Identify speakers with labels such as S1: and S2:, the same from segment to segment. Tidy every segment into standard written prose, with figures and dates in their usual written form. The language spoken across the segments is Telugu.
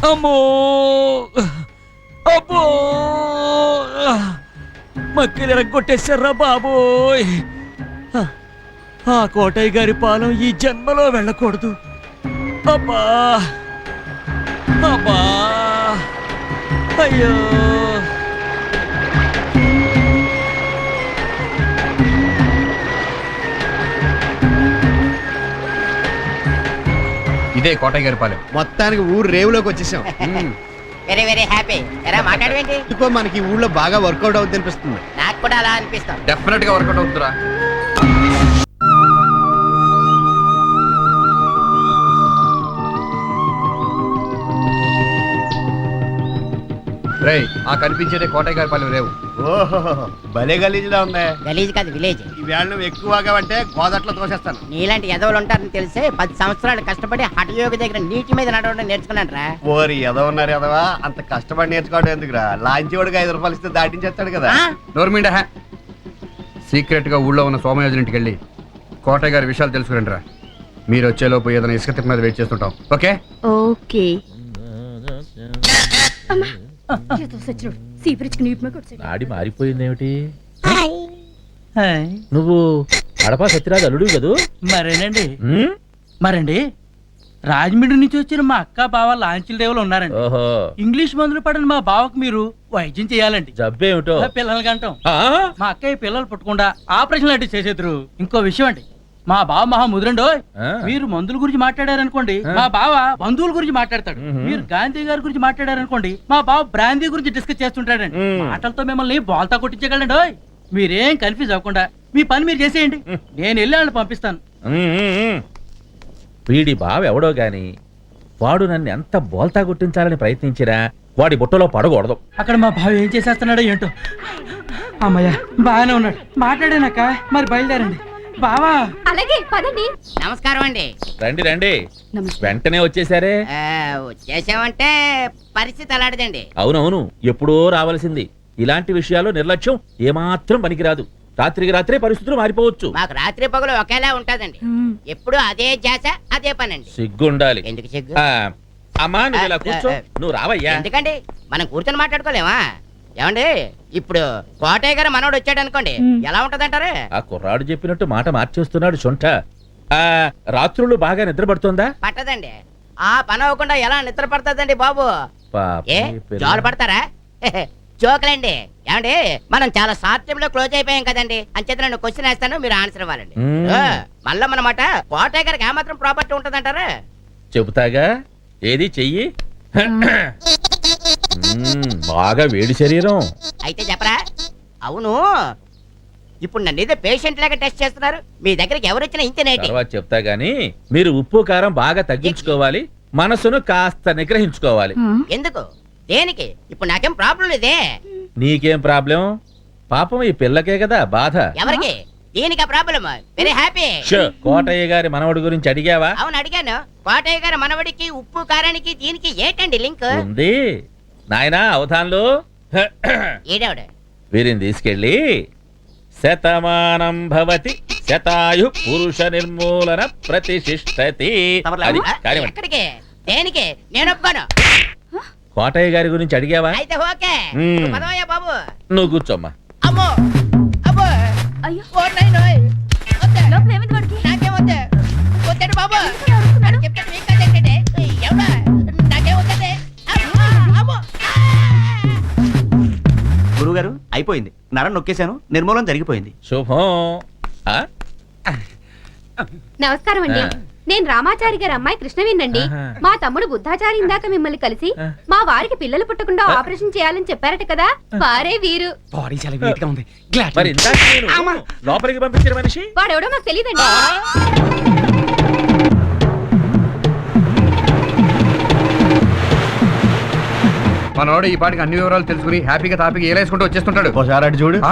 S1: అమ్మో అబ్బో మక్కలు ఎరగొట్టేశారా బాబోయ్. ఆ కోటయ్య గారి పాలెం ఈ జన్మలో వెళ్ళకూడదు. అబ్బా అబ్బా అయ్యో.
S2: ఇదే కోటయ్య గారి పాలెం.
S3: మొత్తానికి ఊరు రేవులోకి వచ్చేసాం.
S4: Very very happy. ఎలా మాట్లాడవేంటి?
S3: ఎందుకో మనకి ఊళ్ళో బాగా వర్కౌట్ అవుతుంది అనిపిస్తుంది.
S4: నాకు కూడా అలా అనిపిస్తాం.
S2: డెఫినెట్ గా వర్కౌట్ అవుతుందిరా. రేయ్, ఆ కనిపించేదే కోటయ్య గారి పాలెం రేవు.
S3: ఓహో భలే గలీజ్లా ఉందే.
S4: గలీజ్ కాదు విలేజ్.
S3: ఈ వేళ నువ్వు ఎక్కువగా అంటే గోదట్లో తోసేస్తాను.
S4: నీలాంటి ఎదవలు ఉంటారని తెలిసే 10 సంవత్సరాలు కష్టపడి హఠయోగి దగ్గర నీటి మీద నడవడం నేర్చుకున్నాను రా.
S3: ఓరి ఎదవన్నారు ఎదవా, అంత కష్టపడి నేర్చుకోవడం ఎందుకురా? లాంచి వాడికి 5 రూపాయలు ఇస్తే దాటించేస్తాడు కదా.
S2: నోర్మిండా సీక్రెట్ గా ఊళ్ళో ఉన్న సోమయాజుల ఇంటికి వెళ్ళి కోటయ్య గారి విషయాలు తెలుసుకురండి రా. మీరు వచ్చేలోపు ఏదైనా ఇసుక తిప్ప మీద వెయిట్ చేస్తుంటాం. Okay
S5: okay.
S6: నాడి మారిపోయిందేమిటి? నువ్వు కడప సత్యరాజు అల్లుడు కదూ?
S1: మరేనండి. మరండి రాజమండ్రి నుంచి వచ్చిన మా అక్క బావ లాంచీల రేవులు ఉన్నారండి.
S6: ఓహో,
S1: ఇంగ్లీష్ మందులు పడిన మా బావకు మీరు వైద్యం చేయాలండి.
S6: జబ్బేమిటో?
S1: పిల్లలు కంటాం. మా అక్కయ్య పిల్లలు పుట్టకుండా ఆపరేషన్ లాంటివి చేసేద్దరు. ఇంకో విషయం అండి, మా బావ మహా ముదురండో. మీరు మందుల గురించి మాట్లాడారనుకోండి, మా బావ బంధువుల గురించి మాట్లాడతాడు. మీరు గాంధీ గారి గురించి మాట్లాడారనుకోండి, మా బావ బ్రాందీ గురించి డిస్కస్ చేస్తుంటాడండి. మాటలతో మిమ్మల్ని బోల్తా కొట్టించగలండి. మీరేం కన్ఫ్యూజ్ అవ్వకుండా మీ పని మీరు చేసేయండి. నేను వెళ్ళి వాళ్ళని పంపిస్తాను.
S6: వీడి బావ ఎవడో గాని వాడు నన్ను ఎంత బోల్తా గుర్తించాలని ప్రయత్నించినా వాడి బుట్టలో పడకూడదు.
S1: అక్కడ మా బావ ఏం చేసేస్తున్నాడో ఏంటో. అమ్మయ్య బాగానే ఉన్నాడు. మాట్లాడానక్క, మరి బయలుదేరండి. బావా
S5: అలాగే పదండి.
S4: నమస్కారం అండి.
S6: రండి రండి, వెంటనే వచ్చేసారే.
S4: వచ్చేసామంటే పరిస్థితి అలాంటిదండి.
S6: అవునవును, ఎప్పుడో రావాల్సింది. ఇలాంటి విషయాల్లో నిర్లక్ష్యం ఏమాత్రం పనికిరాదు. రాత్రికి రాత్రే పరిస్థితులు మారిపోవచ్చు.
S4: మాకు రాత్రి పగలు ఒకేలా ఉంటదండి. ఎప్పుడు అదే జాస అదే పనండి.
S6: సిగ్గుండాలి.
S4: ఎందుకు సిగ్గు?
S6: అమ్మా నువ్వు ఇలా కూర్చో. నువ్వు రావయ్యా.
S4: ఎందుకండి, మనం కూర్చొని మాట్లాడుకోలేమా? ఏమండి, ఇప్పుడు కోటయ్య గారు మనోడు వచ్చాడు అనుకోండి, ఎలా ఉంటదంటారు? ఆ
S6: కుర్రాడు చెప్పినట్టు మాట మార్చేస్తున్నాడు సొంట. రాత్రులు బాగా నిద్ర పడుతుందా?
S4: పట్టదండి. ఆ పని అవ్వకుండా ఎలా నిద్ర పడుతుందండి బాబు? ఏ జోలు పడతారా? జోకులండి. ఏమండి, మనం చాలా షార్ట్ టైం లో క్లోజ్ అయిపోయాం కదండి. అంచేత నేను క్వశ్చన్ వేస్తాను, మీరు ఆన్సర్ ఇవ్వాలండి. మళ్ళా మనమాట కోటయ్య గారికి ఏమాత్రం ప్రాపర్టీ ఉంటదంటారా?
S6: చెబుతాగా, ఏది చెయ్యి. బాగా వేడి శరీరం.
S4: అయితే చెప్పరా? అవును, ఇప్పుడు నన్ను ఏదో పేషెంట్ లాగా టెస్ట్ చేస్తున్నారు. మీ దగ్గరికి ఎవరు వచ్చినా ఇంతేనేటి?
S6: తర్వాత చెప్తా గానీ మీరు ఉప్పు కారం బాగా తగ్గించుకోవాలి, మనసును కాస్త నిగ్రహించుకోవాలి.
S4: ఎందుకు? దేనికి? ఇప్పుడు నాకేం ప్రాబ్లం లేదే.
S6: నీకేం ప్రాబ్లం? పాపం ఈ పిల్లకే కదా బాధ.
S4: ఎవరికి? దీనికి ప్రాబ్లం. Very happy.
S6: కోటయ్య గారి మనవడి గురించి అడిగావా?
S4: అవును అడిగాను. కోటయ్య గారి మనవడికి ఉప్పు కారానికి దీనికి ఏంటండి లింక్?
S6: ఉంది నాయనా, అవధాన్లు.
S4: ఏడావిడ
S6: వీరిని తీసుకెళ్ళి శతమానం భవతి శతాయు పురుష నిర్మూలన ప్రతిష్ఠతి.
S4: ఎక్కడికి? దేనికి? నేను ఒప్పుకోను.
S6: కోటయ్య గారి గురించి అడిగావా?
S4: అయితే ఓకే. పదవయ్యా బాబు.
S6: నువ్వు కూర్చోమ్మా.
S4: అమ్మో అబ్బో
S5: అయ్యో
S4: నాకేం వద్దు. వద్దండి బాబు. చెప్తాను మీకు కదండి. ఎవడా నాకేం వద్దండి.
S7: గురువుగారు అయిపోయింది. నరం నొక్కేశాను, నిర్మూలన జరిగిపోయింది.
S6: శుభం.
S5: నమస్కారం అండి. నేను రామాచారి గారి అమ్మాయి కృష్ణవేనండి. మా తమ్ముడు బుద్ధాచారి ఇందాక మిమ్మల్ని కలిసి మా వారికి పిల్లలు పుట్టకుండా ఆపరేషన్ చేయాలని చెప్పారట కదా, వారే వీరు.
S6: మరి ఇందాక నేను లోపలికి పంపించిన మనిషి
S5: వాడెవడో నాకు తెలియదండి.
S2: మనోడు ఈ పాటికి అన్ని వివరాలు తెలుసుకుని హ్యాపీగా తాపికి ఏలేసుకుంటూ వచ్చేస్తుంటాడు.
S3: ఒకసారి అటు చూడు.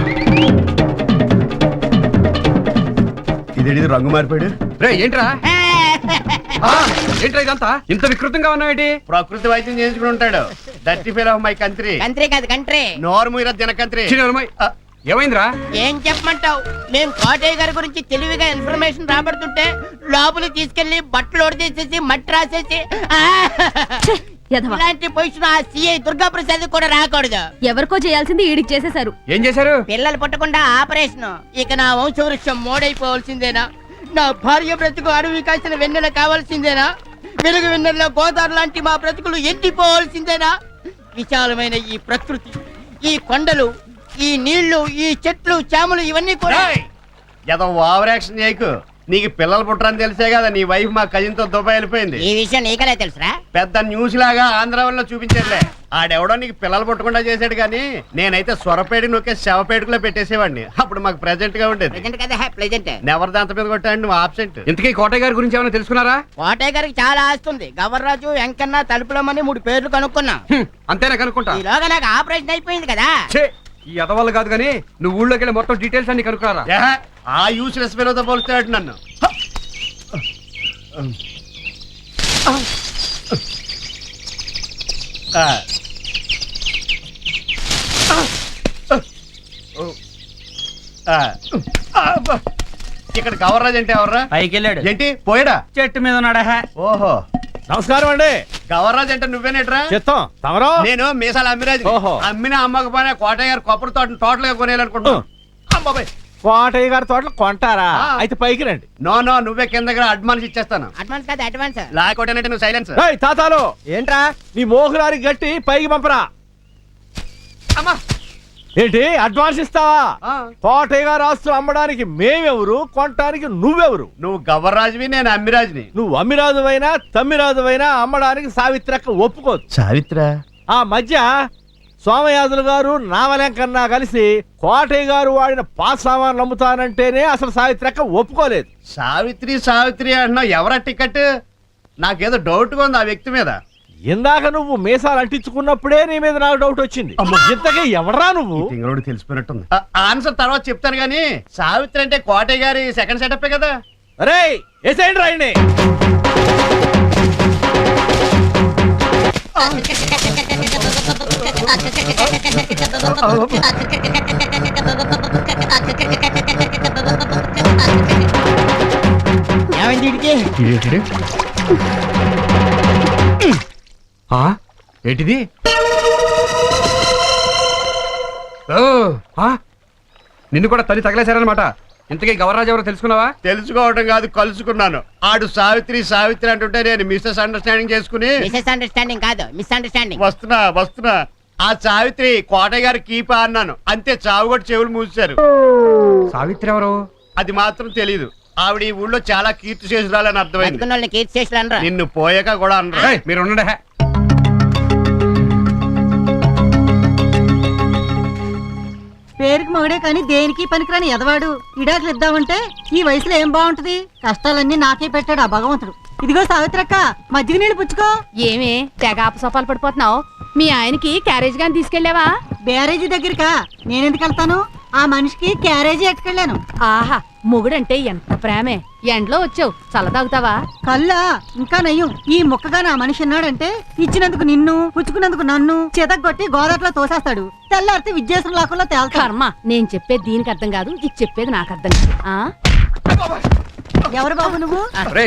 S3: ఇదేంటి రంగు మారిపోయాడు?
S2: రే ఏంట్రా? ఏంట్రా ఇదంతా ఇంత వికృతంగా ఉన్నావేంటి?
S3: ప్రకృతి వైద్యం చేయించుకుని ఉంటాడు. That fail of my country.
S4: Country కాదు కంట్రీ.
S3: నోర్మూర జనకంత్రి.
S2: ఏమైందిరా?
S4: ఏం చెప్పమంటావు? మేము కోటయ్య గారి గురించి తెలివిగా ఇన్ఫర్మేషన్ రాబడుతుంటే లోపలికి తీసుకెళ్లి బట్టలు ఒడిచేసేసి మట్టి రాసేసి
S5: యధవ.
S4: ఇలాంటి పొజిషన్ ఆ సిఐ దుర్గా ప్రసాద్ కూడా రాకూడదు.
S5: ఎవరికో చేయాల్సింది ఈడికి చేసేశారు.
S2: ఏం చేశారు?
S4: పిల్లలు పుట్టకుండా ఆపరేషన్. ఇక నా వంశవృక్షం మోడైపోవాల్సిందేనా? నా భార్య బ్రతుకు అడవి కాసిన వెన్నెల కావాల్సిందేనా? వెలుగు వెన్నెల్లో గోదావరి లాంటి మా బ్రతుకులు ఎండిపోవాల్సిందేనా? విశాలమైన ఈ ప్రకృతి, ఈ కొండలు, ఈ నీళ్లు, ఈ చెట్లు, చేమలు ఇవన్నీ కూడా
S3: ఏదో ఓవర్ యాక్షన్ చేయకు. నీకు పిల్లలు పుట్టరని తెలిసే కదా నీ వైఫ్ మా కజిన్ తో దుబాయ్ వెళ్ళిపోయింది.
S4: ఈ విషయం నీకలే తెలుసురా?
S3: పెద్ద న్యూస్ లాగా ఆంధ్రాలో చూపించేదిలే. ఆడెవడో నీకు పిల్లలు పుట్టకుండా చేశాడు కానీ నేనైతే సొరపేడి నొక్కే శవపేటకులో పెట్టేసేవాడిని. అప్పుడు మాకు ప్రెజెంట్ గా ఉండేది.
S4: ప్రెజెంట్ కదా, ప్రెజెంట్.
S3: నెవర్ దాంత మీద కొట్టాడు నువ్వు ఆబ్సెంట్.
S2: ఇంతకీ కోటయ్య గారి గురించి ఏమైనా తెలుసుకున్నారా?
S4: కోటయ్య గారికి చాలా ఆస్తుంది. గవర్రాజు, వెంకన్న, తలుపులమ్మని 3 పేర్లు కనుక్కున్నా.
S2: అంతేనా కనుక్కుంటా?
S4: ఈలోగా నాకు ఆపరేషన్ అయిపోయింది కదా.
S2: ఛే, ఈ ఎదవాళ్ళు కాదు కానీ నువ్వు ఊళ్ళోకి వెళ్ళి మొత్తం డీటెయిల్స్ అన్ని కనుక్కున్నారా?
S3: ఏహే, ఆ యూస్లెస్ పిల్లతో పోలుస్తాడు నన్ను. ఆ. ఆ. అబ్బా. ఇక్కడ గవర్రాజ్ అంటే ఎవర్రా?
S1: పైకి వెళ్ళాడు.
S3: ఏంటి పోయాడా?
S1: చెట్టు మీద ఉన్నాడా?
S3: ఓహో,
S8: నమస్కారం అండి.
S3: గవర్రాజ్ అంటే నువ్వేనేట్రా?
S8: చిత్తం తమరో?
S3: నేను మీసాల అమ్మిరాజు.
S8: ఓహో.
S3: అమ్మినా అమ్మకపోయినా కోటయ్య గారు కొబ్బరి తోటను టోటల్ గా కొనేయాలనుకుంటున్నాను. అమ్మాబాయ్,
S8: కోటయ్య గారి తోటలు కొంటారా?
S3: ఆ.
S8: అయితే పైకి రండి.
S3: నో నో, నువ్వే కింద దగ్గర అడ్వాన్స్ ఇచ్చేస్తాను.
S4: అడ్వాన్స్ కాదు, అడ్వాన్స్.
S3: లేకపోతే నువ్వు సైలెన్స్.
S8: ఏయ్ తాతాలు, ఏంట్రా నీ మోహులారి గట్టి పైకి పంపరా.
S3: అమ్మా.
S8: ఏంటి అడ్వాన్స్ ఇస్తావా?
S3: ఆ.
S8: కోటయ్య గారు ఆస్తులు అమ్మడానికి మేమెవరు, కొనటానికి నువ్వెవరు?
S3: నువ్వు గవర్రాజువి, నేను అమ్మిరాజుని.
S8: నువ్వు అమ్మిరాజువైనా తమ్మిరాజువైనా అమ్మడానికి సావిత్రక్క ఒప్పుకోదు.
S3: సావిత్ర
S8: ఆ మధ్య సోమయాజులు గారు నావలెంకన్నా కలిసి కోటయ్య గారు వాడిన పాస్ సామాన్లు అమ్ముతానంటేనే అసలు సావిత్రక్క ఒప్పుకోలేదు.
S3: సావిత్రి సావిత్రి అంటున్నావు, ఎవరా టికెట్? నాకేదో డౌట్ గా ఉంది ఆ వ్యక్తి మీద.
S8: ఇందాక నువ్వు మీసాలు అంటించుకున్నప్పుడే నీ మీద నాకు డౌట్ వచ్చింది. ఇంతకీ ఎవడరా నువ్వు?
S3: తింగరోడు తెలిసిపోయినట్టుంది. ఆన్సర్ తర్వాత చెప్తాను గానీ, సావిత్రి అంటే కోటయ్య గారి సెకండ్ సెటప్ కదా.
S8: అరే ఏసేయండి రాయండి.
S4: ఏమైంది వీడికి?
S2: ఏంటిది? ఓ, ఆ? నిన్ను కూడా తల్లి తగలేశారనమాట. ఇంతకీ గవర్రాజు ఎవరో తెలుసుకున్నావా?
S3: తెలుసుకోవడం కాదు, కలుసుకున్నాను. ఆడు సావిత్రి సావిత్రి అంటుంటే నేను మిస్సెస్ అండర్స్టాండింగ్ చేసుకుని
S4: మిస్ అండర్స్టాండింగ్ కాదు, మిస్ అండర్స్టాండింగ్.
S3: వస్తున్నా. ఆ సావిత్రి కోటయ్య గారి కీపా అన్నాను, అంతే. చావు కూడా చెవులు మూసారు.
S2: సావిత్రి ఎవరు?
S3: అది మాత్రం తెలీదు. ఆవిడ ఈ ఊళ్ళో చాలా కీర్తి చేసురాలని అర్థమైంది.
S4: బతుకున్న వాళ్ళని కీర్తి చేసి అనరా?
S3: నిన్ను పోయాక కూడా అనరా.
S2: ఏయ్, మీరు ఉండండి.
S9: పేరుకి మొగడే కానీ దేనికి పనికిరాని ఎదవాడు. ఇడాకులు ఇద్దామంటే ఈ వయసులో ఏం బాగుంటది? కష్టాలన్నీ నాకే పెట్టాడు ఆ భగవంతుడు. ఇదిగో సావిత్రక్క, మజ్జిగ నీళ్ళు పుచ్చుకో.
S5: ఏమే తెగ అపసోపాలు పడిపోతున్నావు? మీ ఆయనకి క్యారేజ్ గాని తీసుకెళ్ళావా?
S9: బ్యారేజీ దగ్గరికా? నేనెందుకు వెళ్తాను? ఆ మనిషికి క్యారేజీ ఎట్టుకెళ్ళాను.
S5: ఆహా, మొగుడంటే ఎంత ప్రేమే. ఎండ్లో వచ్చావు, చల్లదాగుతావా?
S9: కల్లా ఇంకా నయ్యం. ఈ ముక్కగా నా మనిషి ఉన్నాడంటే ఇచ్చినందుకు నిన్ను, పుచ్చుకున్నందుకు నన్ను చేతగొట్టి గోదాట్లో తోసేస్తాడు. తెల్లారితే విద్యాసం లాకుండా తేల్తాడు.
S5: కర్మ, నేను చెప్పేది దీనికి అర్థం కాదు, ఇది చెప్పేది నాకు అర్థం కాదు. ఆ?
S9: ఎవరు బాబు నువ్వు?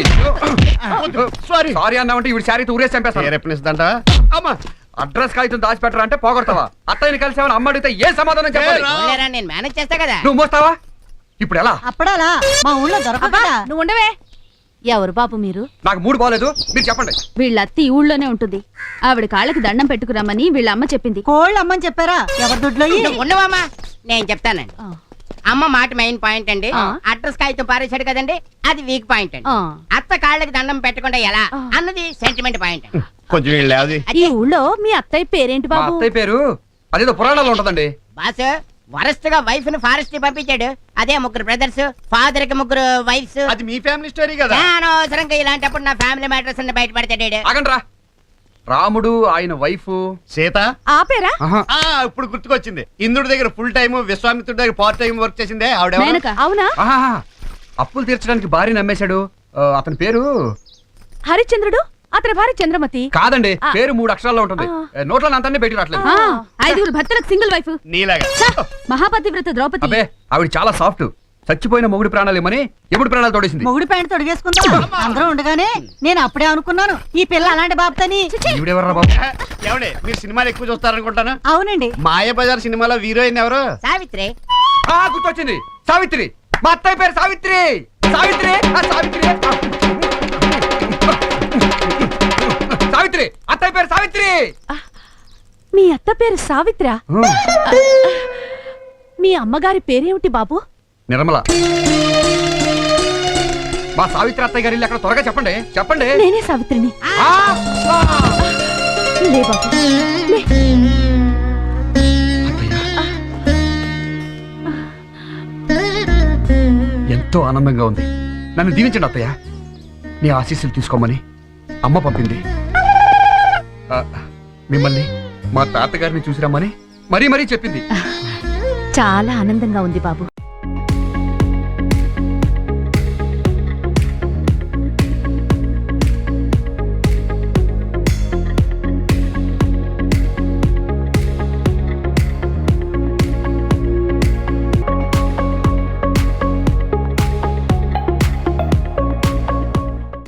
S2: సారీ అన్నావంటే ఇవి శారీ ఊరేసి చంపేస్తాను.
S3: రేపనిస్తుందంట.
S2: అమ్మా, అడ్రస్ కాగితం దాచిపెట్టరా అంటే పోగొడతావా? అత్తయ్యని కలిసి అమ్మ అడిగితే ఏ సమాధానం చెప్పాలి?
S4: పోలేరా, నేను మేనేజ్ చేస్తా కదా.
S2: నువ్వు మోస్తావా? ఇప్పుడు ఎలా?
S9: అప్పడాలా మా ఊళ్ళో
S5: అబ్బా,
S9: దొరకదా?
S5: నువ్వు ఉండవే. ఎవరు బాబు మీరు?
S2: నాకు మూడు బాగలేదు, మీరు చెప్పండి.
S5: వీళ్ళ అత్త ఈ ఊళ్ళోనే ఉంటుంది. ఆవిడ కాళ్ళకి దండం పెట్టుకురమ్మని వీళ్ళ అమ్మ చెప్పింది.
S9: కోళ్ళు అమ్మని చెప్పారా? ఎవరి దొడ్లో?
S4: నువ్వు ఉండవమ్మా, నేను చెప్తానండి.
S5: ఆ.
S4: అమ్మ మాట మెయిన్ పాయింట్ అండి.
S5: ఆ.
S4: అడ్రస్ కాగితం పారేశాడు కదండి, అది వీక్ పాయింట్ అండి.
S5: ఆ.
S4: అత్త కాళ్ళకి దండం పెట్టకుండా ఎలా
S5: ఆ.
S4: అన్నది సెంటిమెంట్ పాయింట్.
S3: కొంచెం వీళ్ళు లేవది.
S5: ఈ ఊళ్ళో మీ అత్తయ్య పేరేంటి
S2: మా
S5: బాబు?
S2: అత్తయ్య పేరు అదేదో పురాణాల్లో ఉంటదండి.
S4: బాస్ వరస్ట్ గా వైఫ్ ని ఫారెస్ట్ కి పంపించాడు. అదే 3 బ్రదర్స్, ఫాదర్ కి 3 వైఫ్స్.
S3: అది మీ ఫ్యామిలీ స్టోరీ కదా.
S4: అనవసరంగా ఇలాంటప్పుడు నా ఫ్యామిలీ మ్యాటర్స్ అన్ని బయటపడతాడు.
S2: ఆగండ్రా. రాముడు, ఆయన వైఫ్
S3: సీత.
S5: ఆ పేరా?
S3: ఇప్పుడు గుర్తుకొచ్చింది. ఇంద్రుడి దగ్గర ఫుల్ టైం, విశ్వామిత్రుడి దగ్గర పార్ట్ టైం వర్క్ చేసిందే ఆవిడ.
S5: మేనక. అవునా?
S2: అప్పులు తీర్చడానికి భార్య నమ్మేశాడు. అతని పేరు
S5: హరిశ్చంద్రుడు, అతని భార్య చంద్రమతి.
S2: కాదండి,
S5: ఆ.
S2: పేరు 3 అక్షరాల్లో ఉంటుంది. నోట్ల అంతా బయటికి రావట్లేదు.
S5: 5 భర్తలకు సింగిల్ వైఫ్.
S3: నీలాగా.
S5: మహాపతివ్రత ద్రౌపది.
S2: అబ్బే, ఆవిడ చాలా సాఫ్ట్. చచ్చిపోయిన మొగుడి ప్రాణాలు ఏమని ఎప్పుడు ప్రాణాలు తోడేసింది.
S9: మొగుడు ప్యాంట్ తొడిగేసుకుందా అందరం ఉండగానే నేను అప్పుడే అనుకున్నాను ఈ పిల్ల అలాంటి బాబుతని.
S2: ఈవిడెవర్రా బాబు?
S3: ఏమండి మీరు సినిమాలు ఎక్కువ చూస్తారనుకుంటాను.
S9: అవునండి.
S3: మాయాబజార్ సినిమాలో హీరోయిన్ ఎవరు?
S4: సావిత్రి.
S2: గుర్తొచ్చింది, సావిత్రి. మా అత్తయ్య పేరు సావిత్రి. సావిత్రి, సావిత్రి, సావిత్రి. అత్తయ్య పేరు సావిత్రి.
S10: మీ అత్త పేరు సావిత్ర. మీ అమ్మగారి పేరేమిటి బాబు?
S2: నిర్మల. మా సావిత్రి అత్తయ్య గారి ఇల్లు అక్కడ, త్వరగా చెప్పండి చెప్పండి.
S10: నేనే సావిత్రిని. లే బాబు లే.
S2: ఎంతో ఆనందంగా ఉంది. నన్ను దీవించండి అత్తయ్య. నీ ఆశీస్సులు తీసుకోమని అమ్మ పంపింది. మిమ్మల్ని మా తాతగారిని చూసిరమ్మని మరీ మరీ చెప్పింది.
S10: చాలా ఆనందంగా ఉంది బాబు.